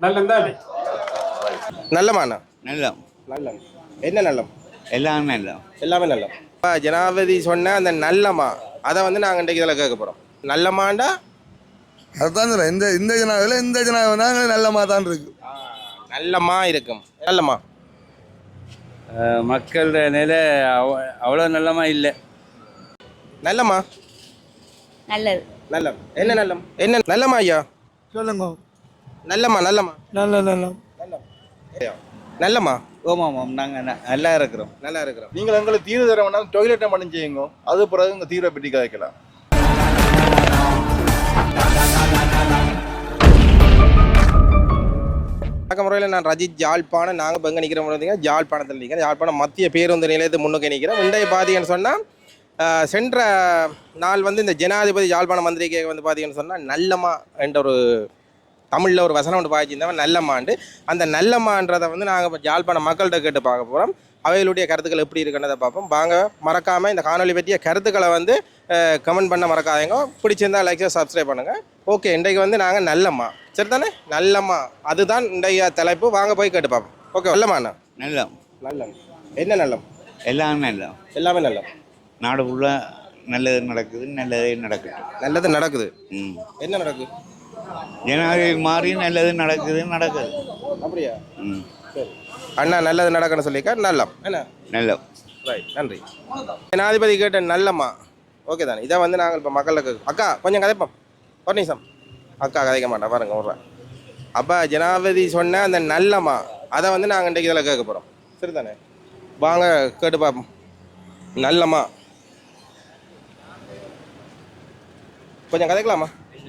நல்லம் தானே? நல்லமாண்ணா? நல்லம். நல்லம். என்ன நல்லம்? எல்லாமே நல்லம். எல்லாமே நல்லம். இப்போ ஜனாதிபதி சொன்ன அந்த நல்லமா அதை வந்து நாங்கள் இன்றைக்கு இதில் கேட்க போகிறோம். நல்லமாண்டா அதுதான் சொல்ல இந்த ஜனாவில் இந்த ஜனாவில் நல்லமா தான் இருக்கு. நல்லமா இருக்கும். நல்லமா மக்கள் நிலை அவ்வளோ நல்லமா இல்லை. நல்லமா நல்லது. நல்லம். என்ன நல்லம்? என்ன நல்லமா ஐயா? சொல்லுங்க. நல்லமா நல்லமா நல்லம். நல்லம் நல்லமா. ஓமாம், நாங்கள் நல்லா இருக்கிறோம். நல்லா இருக்கிறோம். நீங்கள் எங்களுக்கு தீர்வு தர வேண்டாம், டொய்லெட்டை மட்டும் செய்யுங்க. அது பிறகு உங்கள் தீர்வை பெட்டி கதைக்கலாம். வணக்க முறையில் நான் ரஜித் ஜாழ்ப்பாணம். நாங்கள் இப்போ எங்கே நிற்கிறோம் பார்த்தீங்கன்னா ஜாழ்ப்பாணத்தில் நிற்கிறேன். ஜாழ்ப்பாணம் மத்திய பேருந்து நிலையத்தை முன்னுக்கு நிற்கிறோம். இன்றைய பார்த்தீங்கன்னு சொன்னால் சென்ற நாள் வந்து இந்த ஜனாதிபதி ஜாழ்ப்பாணம் மந்திரிக்கை வந்து பார்த்தீங்கன்னு சொன்னால் நல்லமா என்ற ஒரு தமிழில் ஒரு வசனம் ஒன்று பாய்ச்சிருந்தவன் நல்லம்மாண்டு. அந்த நல்லம்மான்றதை வந்து நாங்கள் இப்போ ஜாழ்ப்பாணம் மக்கள்கிட்ட கேட்டு பார்க்க போகிறோம். அவைகளுடைய கருத்துக்கள் எப்படி இருக்குன்றதை பார்ப்போம். வாங்க. மறக்காமல் இந்த காணொலி பற்றிய கருத்துக்களை வந்து கமெண்ட் பண்ண மறக்காதீங்க. பிடிச்சிருந்தா லைக் சப்ஸ்கிரைப் பண்ணுங்கள். ஓகே, இன்றைக்கு வந்து நாங்கள் நல்லம்மா, சரி தானே? நல்லம்மா அதுதான் இன்றைய தலைப்பு. வாங்க போய் கேட்டு பார்ப்போம். ஓகே, நல்லம்மாண்ணா? நல்லம். நல்லம். என்ன நல்லம்? எல்லாமே நல்லம். எல்லாமே நல்லம். நாடு ஃபுல்லாக நல்லது நடக்குது, நல்லதே நடக்குது. நல்லது நடக்குது. என்ன நடக்குது? ஜனாதிபதி மாறி நல்லது நடக்குது. அப்படியா? சரி. அண்ணா நல்லது நடக்கணும்னு சொல்லிக்க நல்லம். என்ன நல்லம். ரைட், நன்றி. ஜனாதிபதி கேட்ட நல்லம்மா ஓகே தானே? இதை வந்து நாங்கள் இப்போ மக்களுக்கு அக்கா கொஞ்சம் கதைப்போம். ஒரு நிமிஷம். அக்கா கதைக்க மாட்டா பாருங்க விட்றேன். அப்போ ஜனாதிபதி சொன்ன அந்த நல்லம்மா அதை வந்து நாங்கள் இன்றைக்கு இதில் கேட்க போகிறோம், சரி தானே? வாங்க கேட்டு பார்ப்போம். நல்லம்மா கொஞ்சம் கதைக்கலாமா?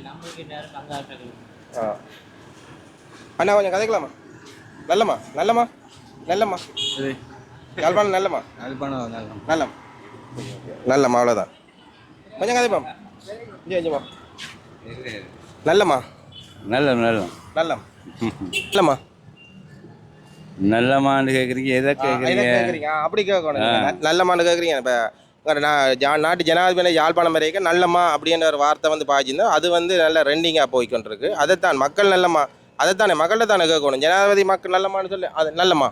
அண்ணா கொஞ்சம் கதைக்கலாமா? நல்லம்மா நல்லம்மா நல்லம்மா யாழ்ப்பாணம் நல்லம்மா நல்லம் நல்லம்மா அவ்வளோதான். கொஞ்சம் கதைப்பாம். கொஞ்சமா நல்லம்மா நல்லம் நல்லம் நல்லம் நல்லம்மா நல்லமான்னு கேட்குறீங்க. எதை கேட்குறீங்க? அப்படி கேட்கணும். நல்லம்மான்னு கேட்குறீங்க. இப்போ நாட்டு ஜனாதிபதி யாழ்ப்பாணம் வரைக்கும் நல்லம்மா அப்படின்ற ஒரு வார்த்தை வந்து பாய்ச்சிருந்தோம். அது வந்து நல்ல ரெண்டிங்காக போய்கொண்டிருக்கு. அதைத்தான் மக்கள் நல்லம்மா அதைத்தானே மக்கள்கிட்ட தானே கேட்கணும். ஜனாதிபதி மக்கள் நல்லம்மான்னு சொல்லி அது நல்லம்மா.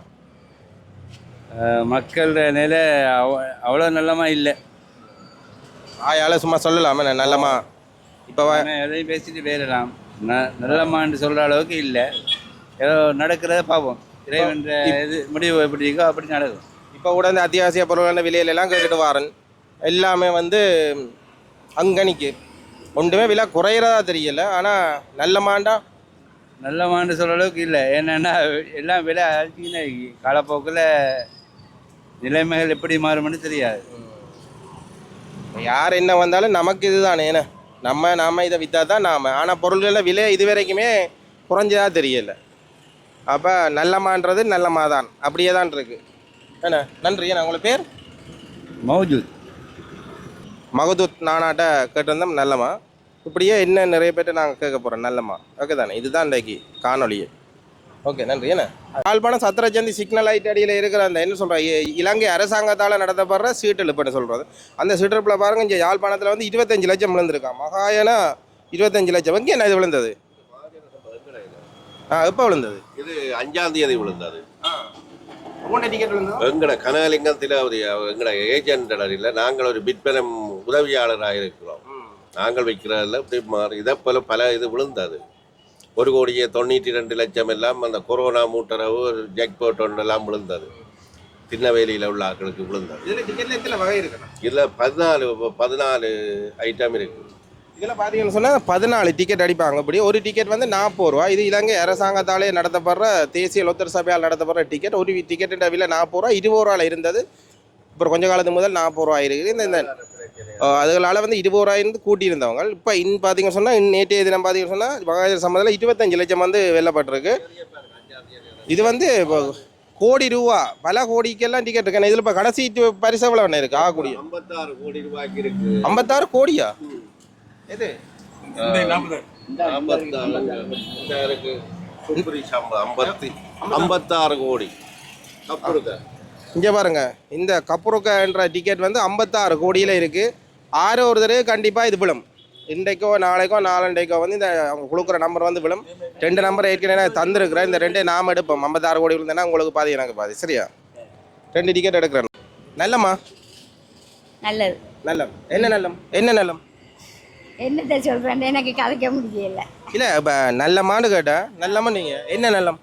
மக்கள் நிலை அவ்வளோ நல்லமா இல்லை. ஆயால சும்மா சொல்லலாமே நல்லம்மா. இப்போ எதையும் பேசிட்டு வேறலாம். நல்லமான்னு சொல்கிற அளவுக்கு இல்லை. ஏதோ நடக்கிறத பார்ப்போம். இறைவன் இது முடிவு எப்படி இருக்கோ அப்படி நடக்கும். இப்போ கூட இந்த அத்தியாவசிய பொருளான விலையிலெல்லாம் கேட்டுட்டு வாரன் எல்லாமே வந்து அங்கனிக்கு ஒன்றுமே விலை குறையிறதா தெரியல. ஆனால் நல்லமான்னு சொல்கிற அளவுக்கு இல்லை. என்னென்னா எல்லாம் விலை அழிச்சிக்கினே காலப்போக்கில் நிலைமைகள் எப்படி மாறும்னு தெரியாது. யார் என்ன வந்தாலும் நமக்கு இது தானே. ஏன்னா நாம் இதை விற்றா தான் நாம். ஆனால் பொருள்களில் விலை இது வரைக்குமே குறைஞ்சதா தெரியல. அப்போ நல்லம்மான்றது நல்லம்மா தான், அப்படியே தான் இருக்குது. என்ன நன்றி. ஏன்னா உங்களை பேர்? மௌஜூத் மகதூத். நானாட்ட கேட்டிருந்தோம் நல்லம்மா. இப்படியே இன்னும் நிறைய பேர்ட்ட நாங்கள் கேட்க போகிறோம் நல்லம்மா. ஓகே தானே? இதுதான் இன்றைக்கு காணொலியே. ஓகே, நன்றி. என்ன யாழ்ப்பாணம் சத்திரச்சந்தி சிக்னல் லைட் அடியில் இருக்கிற அந்த என்ன சொல்கிற இலங்கை அரசாங்கத்தால் நடத்தப்படுற சீட்டெழுப்புன்னு சொல்கிறது. அந்த சீட்டெழுப்பில் பாருங்கள், இங்கே யாழ்ப்பாணத்தில் வந்து 25 லட்சம் விழுந்திருக்கான். மகாயனா 25 லட்சம். எங்கே என்ன இது விழுந்தது? எப்போ விழுந்தது? இது 5ஆம் தேதி விழுந்தது. டிக்கெட் விழுந்தது எங்கட கனகலிங்கத்தில் ஒரு எங்கட ஏஜென்ட் இல்லை, நாங்கள் ஒரு விற்பனை உதவியாளராக இருக்கிறோம். நாங்கள் வைக்கிறதில்ல இப்படி மாறி இதை போல பல இது விழுந்தது. 1,92,00,000 எல்லாம் அந்த கொரோனா மூட்டரவு ஜெக்போட் ஒன்றெல்லாம் விழுந்தது. திருநெல்வேலியில் உள்ள ஆட்களுக்கு விழுந்தது. இதில் டிக்கெட்டில் எத்தனை வகை இருக்குண்ணா? இதில் 14 ஐட்டம் இருக்குது. இதில் பார்த்தீங்கன்னு சொன்னால் 14 டிக்கெட் அடிப்பாங்க. இப்படி ஒரு டிக்கெட் வந்து 40 ரூபா. இது இலங்கை அரசாங்கத்தாலே நடத்தப்படுற தேசிய லொத்தர் சபையால் நடத்தப்படுற டிக்கெட். ஒரு டிக்கெட்டு விலை 40 ரூபா. 20 ரூபாயில் இருந்தது. இப்போ கொஞ்ச காலத்துக்கு முதல் 40 ரூபா இருக்குது. இந்த அதுகளால் வந்து 20 ரூபாயிருந்து கூட்டியிருந்தவங்க இப்போ பார்த்தீங்கன்னு சொன்னால் நேற்றைய தினம் பார்த்தீங்கன்னு சொன்னால் மகாஜர் சம்மதில் 25 லட்சம் வந்து வெல்லப்பட்டிருக்கு. இது வந்து இப்போ கோடி ரூபா, பல கோடிக்கெல்லாம் டிக்கெட் இருக்கு. இதில் இப்போ கடைசி பரிசு எவ்வளோ ஒன்று இருக்குது? ஆகக்கூடிய 56 கோடி ரூபாய்க்கு இருக்குது. 56 கோடியா? எது 56 கோடி. இங்கே பாருங்க, இந்த கப்புருக்கன்ற டிக்கெட் வந்து 56 கோடியில் இருக்குது. ஆரோ ஒரு தடவை கண்டிப்பாக இது விழும். இன்றைக்கோ நாளைக்கோ நாளண்டைக்கோ வந்து இந்த அவங்க கொடுக்குற நம்பர் வந்து விழும். 2 நம்பர் ஏற்கனவே தந்துருக்குறேன். இந்த 2 நாம் எடுப்போம். 56 கோடி விழுந்தேன்னா உங்களுக்கு பாதி எனக்கு பாதி. சரியா? 2 டிக்கெட் எடுக்கிறேன். நல்லம்மா நல்லது. நல்லம். என்ன நல்லம்? என்ன நல்லம்? என்னத்தை சொல்கிறேன் எனக்கு கதைக்க முடியல. இல்லை இப்போ நல்லம்மான்னு கேட்டேன். நல்லம்மா நீங்கள் என்ன நல்லம்?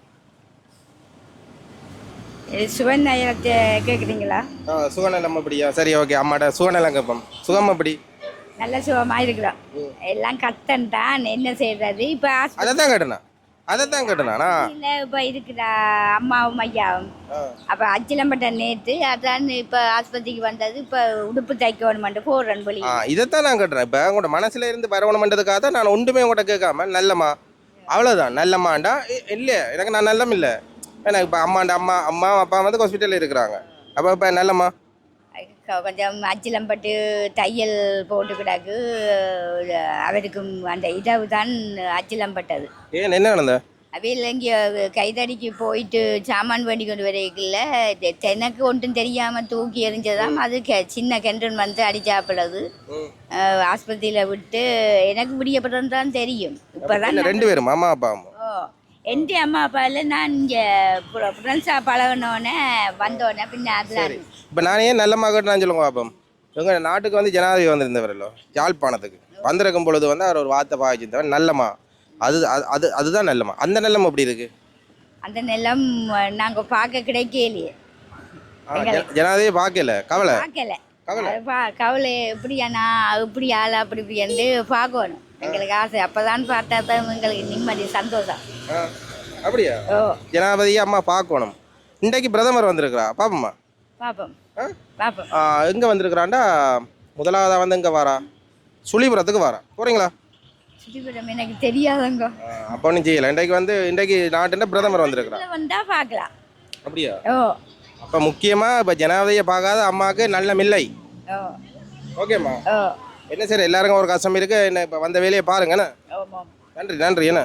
சுவநலத்தை கேட்குறீங்களா? சுகநலம் அப்படியா? சரி ஓகே. அம்மாட்ட சுகநலம் கேட்போம். சுகம் அப்படி நல்ல சுகமாக இருக்கிறோம். எல்லாம் கஷ்டம் தான், என்ன செய்யறது. இப்போ அதை தான் கேட்டேனா இல்லை இப்போ இருக்கிற அம்மாவும் ஐயாவும் அப்போ அச்சிலம்பட்ட நேற்று அதான் இப்போ ஆஸ்பத்திரிக்கு வந்தது. இப்போ உடுப்பு தைக்கணுமெண்டு போடுறேன் வழி. இதைத்தான் நான் கேட்டுறேன். இப்போ உங்களோட மனசுல இருந்து வரவணுமென்றதுக்காக தான் நான் ஒன்றுமே உங்கள்கிட்ட கேட்காம நல்லம்மா அவ்வளோதான். நல்லம்மாண்டா இல்லை எனக்கு நான் நல்லம் இல்லை. எனக்கு இப்போ அம்மா அப்பா வந்து ஹாஸ்பிட்டலில் இருக்கிறாங்க. அப்போ இப்போ நல்லம்மா கொஞ்சம் அச்சிலம்பட்டு தையல் போட்டு கிடக்கு. அவருக்கும் அந்த இதவு தான் அச்சிலம்பட்டது. ஏன் என்ன நடந்த? அவையில் இங்கே கைதடிக்கு போயிட்டு சாமான் வேண்டி கொண்டு வரைக்கல எனக்கு ஒன்றும் தெரியாமல் தூக்கி எறிஞ்சதாம். அது சின்ன கெண்டன் வந்து அடிச்சாப்பிளது. ஆஸ்பத்திரியில் விட்டு எனக்கு விடியப்பட்டது தான் தெரியும். இப்போ தான் 2 பேரும் அம்மா அப்பா. என் அம்மா அப்பா இல்லை, நான் இங்கே ஃப்ரெண்ட்ஸாக பழகினோன்னே வந்தோடனே பின்ன அதெல்லாம். இப்போ நான் ஏன் நல்லம்மா கேட்டேன்னு சொல்லுங்க பாப்போம். எங்கள் நாட்டுக்கு வந்து ஜனாதிபதி வந்திருந்தவரല്ലോ யாழ்ப்பாணத்துக்கு வந்திருக்கும் பொழுது வந்து அவர் ஒரு வார்த்தை பாய்ச்சிருந்தவர் நல்லம்மா. அதுதான் நல்லம்மா. அந்த நல்லம் எப்படி இருக்கு? அந்த நிலம் நாங்கள் பார்க்க கிடைக்கலையே. ஜனாதிபதி பார்க்கல. பார்க்கல. கவலை எப்படியாண்ணா இப்படி ஆள் அப்படி இப்படின்னு பார்க்கணும். எங்களுக்கு ஆசை. அப்போதான் பார்த்தா தான் எங்களுக்கு நிம்மதி சந்தோஷம். அப்படியா? ஜனாதிபதியை அம்மா பார்க்கணும். இன்றைக்கு பிரதமர் வந்திருக்கிறா. பாப்பம்மா பார்ப்போம். எங்கே வந்திருக்கிறான்டா? முதலாவதாக வந்து எங்கே வாரா? சுழிபுரத்துக்கு வாரா. போகிறீங்களா? சுழிபுரம் எனக்கு தெரியாதங்க. அப்போ ஒன்றும் செய்யலை. இன்றைக்கு நாட்டுன்ற பிரதமர் வந்திருக்கிறா. வந்தால் பார்க்கலாம். அப்படியா? அப்போ முக்கியமாக இப்போ ஜனாதிபதியை பார்க்காத அம்மாவுக்கு நல்லம் இல்லை. ஓகேம்மா. என்ன சரி எல்லாருக்கும் ஒரு கஷ்டம் இருக்கு. என்ன இப்போ வந்த வேலையை பாருங்கண்ணா. நன்றி என்ன.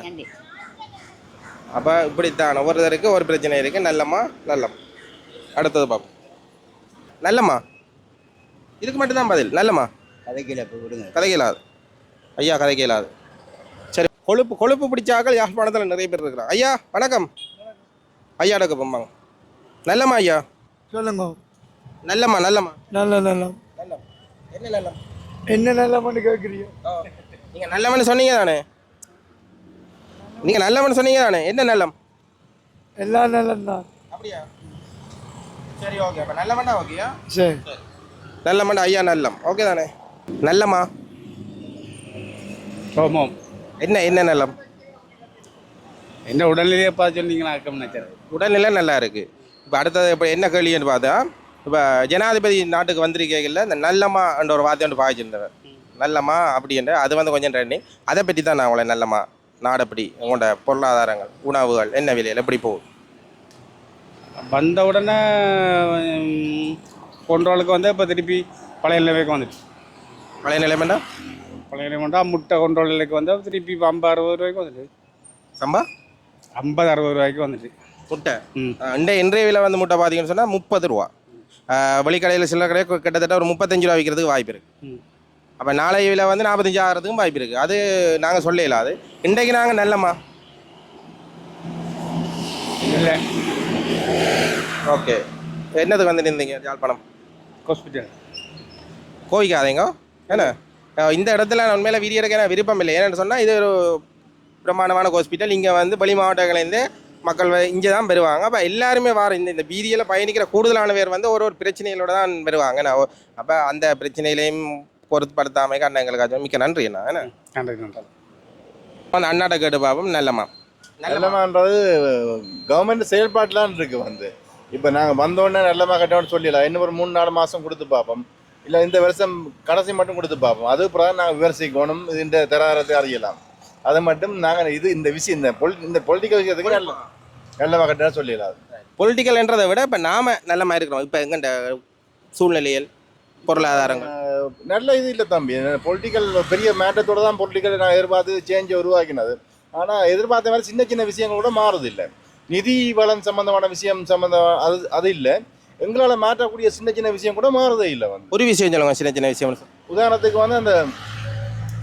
அப்போ இப்படித்தான் ஒவ்வொருத்தருக்கு ஒரு பிரச்சனை இருக்கு. நல்லம்மா நல்லம். அடுத்தது பார்ப்போம். நல்லம்மா இதுக்கு மட்டும்தான் பதில். நல்லம்மா கதைக்கலாது. ஐயா கதைக்கலாது. சரி கொழுப்பு பிடிச்சாக்கள் யாழ்ப்பாணத்தில் நிறைய பேர் இருக்கிறாங்க. ஐயா வணக்கம். ஐயா அடக்க போம்பாங்க. நல்லம்மா ஐயா சொல்லுங்க. நல்லம்மா நல்லம். என்ன நல்லம்? என்ன நல்லவன்னு கேட்குறீங்க? நீங்கள் நல்லவன்னு சொன்னீங்க தானே? என்ன நல்லம்? எல்லாம் நல்லம் தான். அப்படியா? சரி ஓகே. அப்போ நல்லமண்டா ஓகேயா? சரி நல்லமண்டா ஐயா நல்லம். ஓகே தானே? நல்லம்மா ஆமாம். என்ன நல்லம்? என்ன உடல்நிலையை பார்த்து சொன்னீங்கன்னா உடல்நிலை நல்லா இருக்குது. இப்போ அடுத்தது இப்போ என்ன கேள்வின்னு பார்த்தா, இப்போ ஜனாதிபதி நாட்டுக்கு வந்திருக்கையில் இந்த நல்லம்மா என்ற ஒரு வார்த்தை ஒன்று பாய்ச்சிருந்தவர். நல்லம்மா அப்படின்ற அது வந்து கொஞ்சம் ட்ரெண்டிங். அதை பற்றி தான் நான் உங்களை நல்லம்மா நாடு எப்படி உங்களோட பொருளாதாரங்கள் உணவுகள் என்ன விலையில் எப்படி போகுது? வந்த உடனே கொண்டோலுக்கு வந்து இப்போ திருப்பி பழைய நிலைமைக்கு வந்துட்டு. பழைய நிலைமைண்டா முட்டை கொண்டோல் நிலைக்கு வந்து திருப்பி 50-60 ரூபாய்க்கு வந்துட்டு. சம்பா 50-60 ரூபாய்க்கு வந்துட்டு முட்டை. இன்றைய விலை வந்து முட்டை பார்த்தீங்கன்னு சொன்னால் 30 ரூபா. வெளிக்கடையில் சில கடையில் கிட்டத்தட்ட ஒரு 35 ரூபா விற்கிறதுக்கு வாய்ப்பு இருக்குது. அப்போ நாளைய விலை வந்து 45 ஆகிறதுக்கும் வாய்ப்பு இருக்குது. அது நாங்கள் சொல்லல. அது இன்றைக்கு நாங்கள் நல்லம்மா இல்லை. ஓகே. என்னதுக்கு வந்து நின்றீங்க? யாழ்ப்பாணம் ஹாஸ்பிட்டல். கோவிக்காதீங்க ஏன்னா இந்த இடத்துல நான் உண்மையில வீடியோ எடுக்க எனக்கு விருப்பம் இல்லை. ஏன்னு சொன்னால் இது ஒரு பிரமாண்டமான ஹாஸ்பிட்டல். இங்கே வந்து வெளி மாவட்டங்கள்லேருந்து மக்கள் இங்கே தான் பெறுவாங்க. அப்போ எல்லாருமே இந்த வீதியில் பயணிக்கிற கூடுதலான பேர் வந்து ஒரு பிரச்சனைகளோட தான் பெறுவாங்க. அப்போ அந்த பிரச்சனைகளையும் பொருட்படுத்தாமல் அண்ணங்களுக்கு மிக்க நன்றி. என்ன அந்த அண்ணாட்ட கேட்டு பார்ப்போம். நல்லமான்றது கவர்மெண்ட் செயல்பாட்டிலான் இருக்கு. இப்போ நாங்கள் வந்தோடனே நல்லமா கட்டணும்னு சொல்லலாம். இன்னும் ஒரு 3-4 மாதம் கொடுத்து பார்ப்போம். இல்லை இந்த வருஷம் கடைசி மட்டும் கொடுத்து பார்ப்போம். அது பிறகு நாங்கள் விமர்சிக்கணும். இந்த தராரத்தை அறியலாம். அதை மட்டும் நாங்கள் இந்த விஷயம் இந்த பொலிட்டிக்கல் விஷயத்துக்கு நல்ல கட்டணும் சொல்லிடலாம். பொலிட்டிக்கல்ன்றதை விட இப்போ நாம நல்லமா இருக்கிறோம். இப்போ எங்கள்கிட்ட சூழ்நிலையில் பொருளாதாரங்கள் நல்ல இது இல்லை தம்பி. பொலிட்டிக்கல் பெரிய மேட்டத்தோடு தான் பொலிட்டிக்கல் நான் எதிர்பார்த்து சேஞ்சை உருவாக்கினது. ஆனால் எதிர்பார்த்த மாதிரி சின்ன சின்ன விஷயங்கள் கூட மாறுது இல்லை. நிதி வளம் சம்பந்தமான விஷயம் அது இல்லை. எங்களால் மாற்றக்கூடிய சின்ன சின்ன விஷயம் கூட மாறுதே இல்லை. ஒரு விஷயம் சொல்லுங்க. சின்ன சின்ன விஷயம் உதாரணத்துக்கு அந்த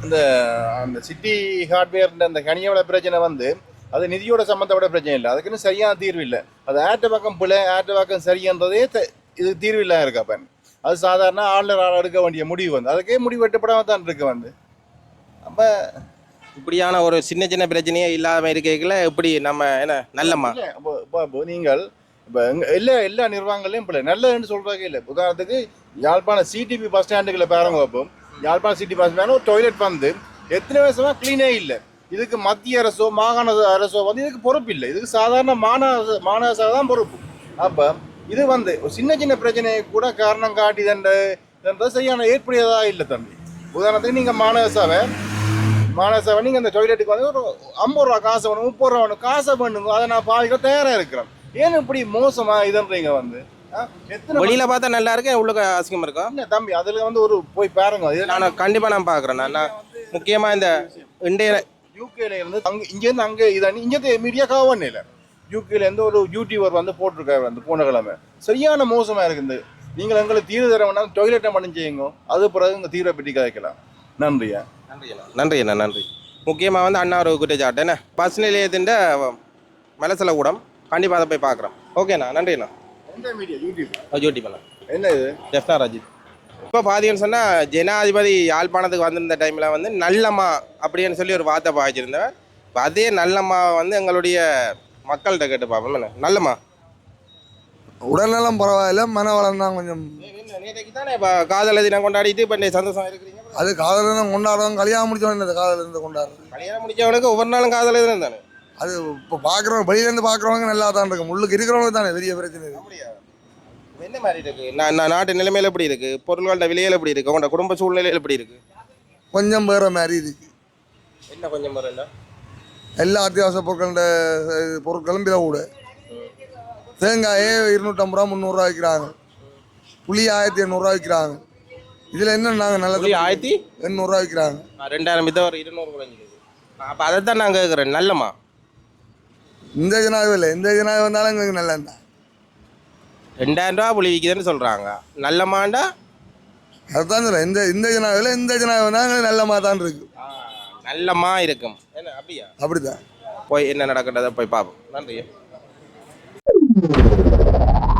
இந்த அந்த சிட்டி ஹார்ட்வேர் அந்த கனியோட பிரச்சனை வந்து அது நிதியோட சம்மந்தப்பட்ட பிரச்சனை இல்லை, அதுக்குன்னு சரியான தீர்வு இல்லை. அது ஆட்ட பக்கம் பிள்ளை ஆட்ட பக்கம் சரின்றதே இது தீர்வு இல்லாமல் இருக்கு. அப்போ அது சாதாரண ஆளுநர் எடுக்க வேண்டிய முடிவு வந்து அதுக்கே முடிவு வெட்டப்படாமல் தான் இருக்கு வந்து. அப்போ இப்படியான ஒரு சின்ன சின்ன பிரச்சனையே இல்லாமல் இருக்கல எப்படி நம்ம என்ன நல்லம்மா இப்போ நீங்கள் இப்போ எல்லா நிர்வாகங்களையும் இப்போ நல்லதுன்னு சொல்கிறாங்க இல்லை. உதாரணத்துக்கு யாழ்ப்பாணம் சிடிபி பஸ் ஸ்டாண்டுகளை பாருங்க. அப்போ யாழ்ப்பாணம் சிட்டி பஸ் ஸ்டாண்ட் ஒரு டாய்லெட் வந்து எத்தனை வருஷமாக க்ளீனே இல்லை. இதுக்கு மத்திய அரசோ மாகாண அரசோ வந்து இதுக்கு பொறுப்பு இல்லை, இதுக்கு சாதாரண மாநகர தான் பொறுப்பு. அப்போ இது வந்து ஒரு சின்ன சின்ன பிரச்சனையை கூட காரணம் காட்டி தண்டது சரியான ஏற்புடையதாக இல்லை தம்பி. உதாரணத்துக்கு நீங்கள் மாநகர சபை நீங்கள் அந்த டாய்லெட்டுக்கு வந்து ஒரு 50 ரூபா காசை வேணும், 30 ரூபா வேணும், காசை பண்ணுங்க, அதை நான் பாதிக்க தயாராக இருக்கிறேன். ஏன் இப்படி மோசமா இதுன்றீங்க வந்து? வெளியில பார்த்தா நல்லா இருக்கு, உள்ள அசிங்கமா இருக்கா? இல்லை தம்பி, அதில் வந்து ஒரு போய் பாருங்க. நான் கண்டிப்பாக நான் பார்க்குறேன். நான் முக்கியமாக இந்த இந்திய யூகேல இருந்து இங்கேருந்து அங்கே இங்கே மீடியா கவர்னே இல்லை. யூகேலேருந்து ஒரு யூடியூபர் வந்து போட்டிருக்காரு அந்த போன கிழமை. சரியான மோசமாக இருக்குது. நீங்கள் எங்களுக்கு தீர்வு தர வேணாம், டாய்லெட்டை மட்டும் செய்யுங்க, அது பிறகு இந்த தீர்வை பற்றி கதைக்கலாம். நன்றியா? நன்றி அண்ணா, நன்றி. முக்கியமாக வந்து அண்ணா ஒரு குற்றச்சாட்டு என்ன பஸ் நிலையத்தின் மலசல கூடம் கண்டிப்பாக அதை போய் பார்க்குறோம். ஓகேண்ணா, நன்றிண்ணா. எந்த மீடியா? யூடியூப் அண்ணா. என்ன இது? ஜெஃப்னா ரஜித். இப்போ பார்த்தீங்கன்னு சொன்னால் ஜனாதிபதி யாழ்ப்பாணத்துக்கு வந்திருந்த டைமில் வந்து நல்லம்மா அப்படின்னு சொல்லி ஒரு வார்த்தை பாய்ச்சிருந்தேன். இப்போ அதே நல்லம்மா வந்து எங்களுடைய மக்கள்கிட்ட கேட்டு பார்ப்போம். என்ன நல்லம்மா உடல்நலம் பரவாயில்ல, மனவளம் தான் கொஞ்சம். நேற்றைக்கு தானே இப்போ காதல் தினம் கொண்டாடிட்டு இப்போ சந்தோஷம் இருக்கிறீங்க. அது காதல் தினம் கொண்டாடுறவங்க கல்யாணம் முடிச்சவங்க இந்த காதல் தினத்தை கொண்டாடுறது. கல்யாணம் முடிச்சவனுக்கு ஒவ்வொரு நாளும் காதல் தினம் தானே. அது இப்போ பார்க்குறவங்க வெளியிலேருந்து பார்க்குறவங்க நல்லா தான் இருக்கும், உள்ளுக்கு இருக்கிறவங்க தானே பெரிய பிரச்சனை இருக்கு. அப்படியா? என்ன மாதிரி இருக்கு? நான் நாட்டு நிலைமையில எப்படி இருக்கு, பொருள்களோட விலையில எப்படி இருக்கு, உங்களோட குடும்ப சூழ்நிலையில எப்படி இருக்கு? கொஞ்சம் வேற மாதிரி இருக்கு. என்ன கொஞ்சம் வரல? எல்லா அத்தியாவசிய பொருட்களும் விலை கூட. தேங்காயே 250 ரூபா 300 ரூபா விற்கிறாங்க, புளி 1800 ரூபா விற்கிறாங்க. இதில் என்ன நாங்கள் நல்லது 1800 ரூபா விற்கிறாங்க. 2000 வித்த ஒரு 200 குறைஞ்சிருக்கு. அப்போ அதை தான் நான் கேட்குறேன். நல்லம்மா இந்த ஜனாதிபதி இல்லை, இந்த ஜனாதிபதி வந்தாலும் எங்களுக்கு நல்லதுதான். 2000 ரூபா புளி விற்கிதுன்னு சொல்கிறாங்க. நல்லம்மாண்டா அதுதான் சொல்ல. இந்த ஜனாதிபதியில் இந்த ஜனாதிபதி வந்தால் எங்களுக்கு நல்லமா தான் இருக்கு. நல்லம்மா இருக்கும். என்ன அப்படியா? அப்படிதான். போய் என்ன நடக்கிறத போய் பார்ப்போம். நன்றி.